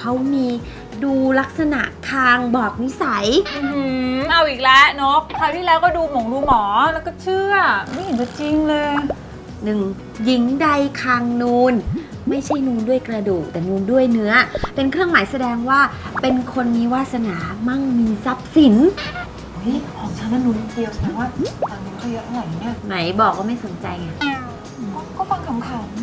เขามีดูลักษณะคางบอกนิสัยเอาอีกแล้วนกคราวที่แล้วก็ดูหมอแล้วก็เชื่อไม่เห็นจะจริงเลย 1. หญิงใดคางนูนไม่ใช่นูนด้วยกระดูกแต่นูนด้วยเนื้อเป็นเครื่องหมายแสดงว่าเป็นคนมีวาสนามั่งมีทรัพย์สินของฉันนั้นนูนเดียวแสดงว่าตังค์เขาเยอะเท่าไหร่เนี่ยไหนบอกว่าไม่สนใจไงก็ฟังขำ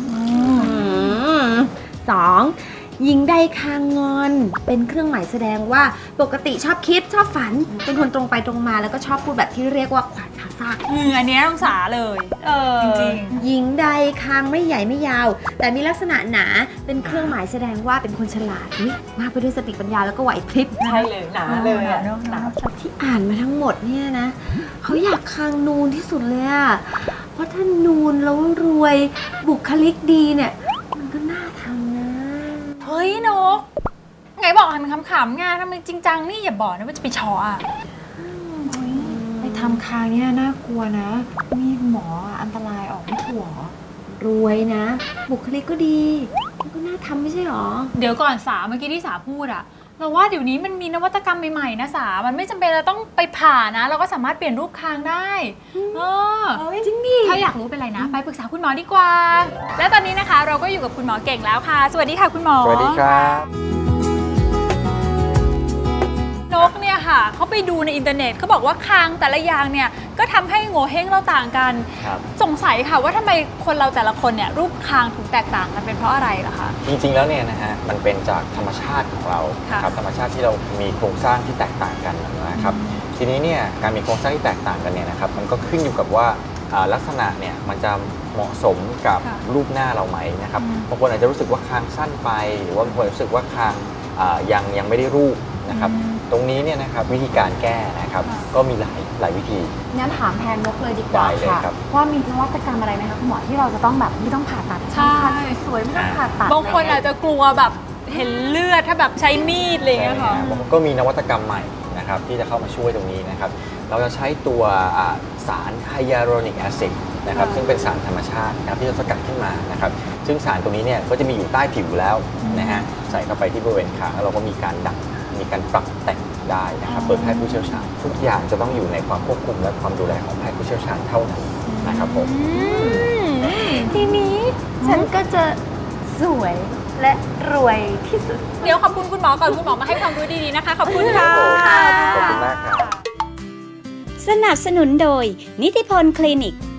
ๆ2. หญิงใดคางงอนเป็นเครื่องหมายแสดงว่าปกติชอบคิดชอบฝันเป็นคนตรงไปตรงมาแล้วก็ชอบพูดแบบที่เรียกว่าขวานผ่าซากอันนี้ต้องสาเลยจริงหญิงใดคางไม่ใหญ่ไม่ยาวแต่มีลักษณะหนาเป็นเครื่องหมายแสดงว่าเป็นคนฉลาดมากไปด้วยสติปัญญาแล้วก็ไหวพริบใช่เลยหนาเลยหนาที่อ่านมาทั้งหมดเนี่ยนะเขาอยากคางนูนที่สุดเลยอะเพราะถ้านูนแล้วรวยบุคลิกดีเนี่ยมันก็น่าทำนะเฮ้ยนกไงบอกหันขำๆไงทำไมจริงจังนี่อย่าบอกนะว่าจะไปชออ่ะไปทำคางเนี่ยน่ากลัวนะมีหมออันตรายออกไม่ถูกรวยนะบุคลิกก็ดีมันก็น่าทำไม่ใช่หรอเดี๋ยวก่อนสาเมื่อกี้ที่สาพูดอะเราว่าเดี๋ยวนี้มันมีนวัตกรรมใหม่ๆนะสามันไม่จำเป็นเราต้องไปผ่านะเราก็สามารถเปลี่ยนรูปคางได้จริงดิถ้าอยากรู้เป็นไรนะไปปรึกษาคุณหมอดีกว่าและตอนนี้นะคะเราก็อยู่กับคุณหมอเก่งแล้วค่ะสวัสดีค่ะคุณหมอสวัสดีครับนกเนี่ยค่ะเขาไปดูในอินเทอร์เน็ตเขาบอกว่าคางแต่ละอย่างเนี่ยก็ทำให้โง่เฮงเราต่างกันสงสัยค่ะว่าทำไมคนเราแต่ละคนเนี่ยรูปคางถึงแตกต่างกันเป็นเพราะอะไรล่ะคะจริงๆแล้วเนี่ยนะฮะมันเป็นจากธรรมชาติของเราครับธรรมชาติที่เรามีโครงสร้างที่แตกต่างกันนะครับทีนี้เนี่ยการมีโครงสร้างที่แตกต่างกันเนี่ยนะครับมันก็ขึ้นอยู่กับว่าลักษณะเนี่ยมันจะเหมาะสมกับรูปหน้าเราไหมนะครับบางคนอาจจะรู้สึกว่าคางสั้นไปหรือว่าบางคนรู้สึกว่าคางยังไม่ได้รูปนะครับตรงนี้เนี่ยนะครับวิธีการแก้นะครับก็มีหลายวิธีงั้นถามแทนนกเลยดีกว่าค่ะว่ามีนวัตกรรมอะไรไหมคะคุณหมอที่เราจะต้องแบบไม่ต้องผ่าตัดใช่สวยไม่ต้องผ่าตัดบางคนอาจจะกลัวแบบเห็นเลือดถ้าแบบใช้มีดอะไรอย่างเงี้ยค่ะก็มีนวัตกรรมใหม่นะครับที่จะเข้ามาช่วยตรงนี้นะครับเราจะใช้ตัวสารไฮยาลูรอนิกแอซิดนะครับซึ่งเป็นสารธรรมชาตินะครับที่เราสกัดขึ้นมานะครับซึ่งสารตรงนี้เนี่ยก็จะมีอยู่ใต้ผิวแล้วนะฮะใส่เข้าไปที่บริเวณคางแล้วเราก็มีการดัดมีการปรับแต่งได้นะครับโดยแพทย์ผู้เชี่ยวชาญทุกอย่างจะต้องอยู่ในความควบคุมและความดูแลของแพทย์ผู้เชี่ยวชาญเท่านั้นนะครับผมทีนี้ฉันก็จะสวยและรวยที่สุดเดี๋ยวขอบคุณคุณหมอก่อนคุณหมอมาให้ความรู้ดีๆนะคะขอบคุณค่ะขอบคุณมากครับสนับสนุนโดยนิติพลคลินิก